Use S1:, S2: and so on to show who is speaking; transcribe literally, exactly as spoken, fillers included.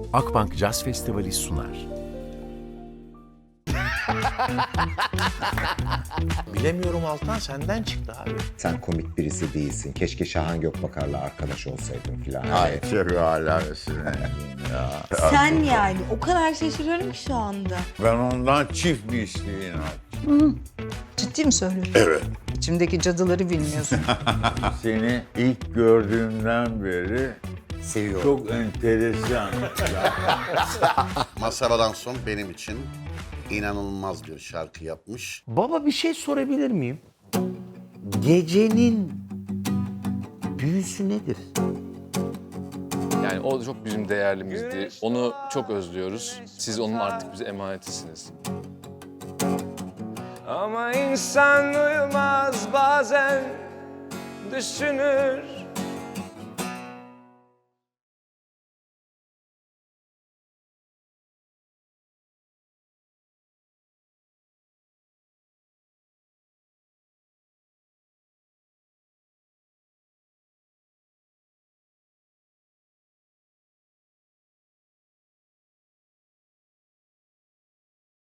S1: Akbank Jazz Festivali sunar.
S2: Bilemiyorum Altan, senden çıktı abi.
S3: Sen komik birisi değilsin. Keşke Şahan Gökbakar'la arkadaş olsaydın filan.
S2: Hayır.
S4: Çok alakası ya.
S5: Sen yani o kadar şaşırıyorum ki şu anda.
S4: Ben ondan çift bir isteğin aldım.
S6: Ciddi mi söylüyorsun?
S4: Evet.
S6: İçimdeki cadıları bilmiyorsun.
S4: Seni ilk gördüğümden beri
S3: Seviyorum.
S4: çok enteresan.
S7: Masaradan son benim için inanılmaz bir şarkı yapmış.
S2: Baba bir şey sorabilir miyim? Gecenin büyüsü nedir?
S8: Yani o çok bizim değerlimizdi. Onu çok özlüyoruz. Siz onun artık bize emanetisiniz.
S9: Ama insan uyumaz bazen düşünür